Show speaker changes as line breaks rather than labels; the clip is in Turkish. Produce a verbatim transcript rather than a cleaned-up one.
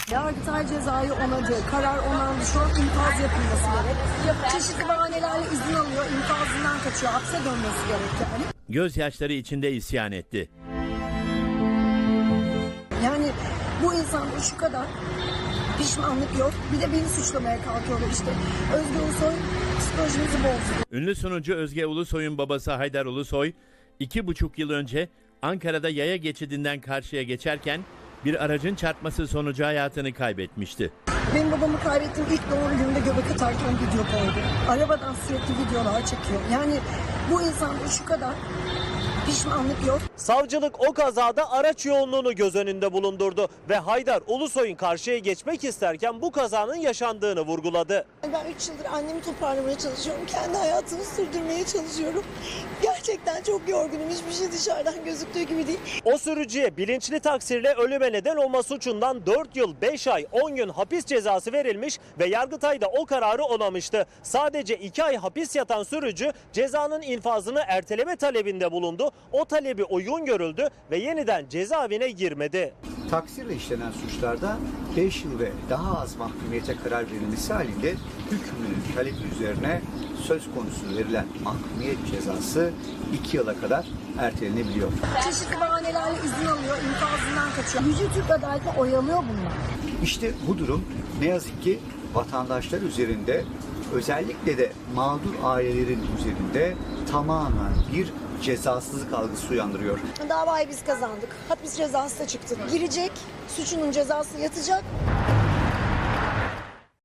Yargıtay cezayı onadı, karar onandı. Şu an infaz yapılması gerek. Çeşitli bahanelerle izin alıyor, infazından kaçıyor. Hapse dönmesi gerek yani.
Gözyaşları içinde isyan etti.
Yani bu insanda şu kadar pişmanlık yok. Bir de beni suçlamaya kalkıyorlar işte. Özge Ulusoy psikolojimizi bozdu.
Ünlü sunucu Özge Ulusoy'un babası Haydar Ulusoy, iki buçuk yıl önce Ankara'da yaya geçidinden karşıya geçerken bir aracın çarpması sonucu hayatını kaybetmişti.
Benim babamı kaybettiğim ilk doğru günde göbek atarken video koydu. Arabadan sürekli videolar çekiyor. Yani bu insanda şu kadar pişmanlık yok.
Savcılık o kazada araç yoğunluğunu göz önünde bulundurdu ve Haydar Ulusoy'un karşıya geçmek isterken bu kazanın yaşandığını vurguladı.
Ben üç yıldır annemi toparlamaya çalışıyorum. Kendi hayatımı sürdürmeye çalışıyorum. Gerçekten çok yorgunum. Hiçbir şey dışarıdan gözüktüğü gibi değil.
O sürücüye bilinçli taksirle ölüme neden olma suçundan dört yıl beş ay on gün hapis cezası verilmiş ve Yargıtay da o kararı onamıştı. Sadece iki ay hapis yatan sürücü cezanın infazını erteleme talebinde bulundu. O talebi uygun görüldü ve yeniden cezaevine girmedi.
Taksirle işlenen suçlarda beş yıl ve daha az mahkumiyete karar verilmesi halinde hükmünün talebi üzerine söz konusu verilen mahkumiyet cezası iki yıla kadar ertelenebiliyor.
Çeşitli bahanelerle izin alıyor, infazından kaçıyor. Yüce Türk adaletini oyalıyor bunlar.
İşte bu durum ne yazık ki vatandaşlar üzerinde, özellikle de mağdur ailelerin üzerinde tamamen bir cezasızlık algısı uyandırıyor.
Davayı biz kazandık. Hapis cezası da çıktı. Girecek, suçunun cezası yatacak.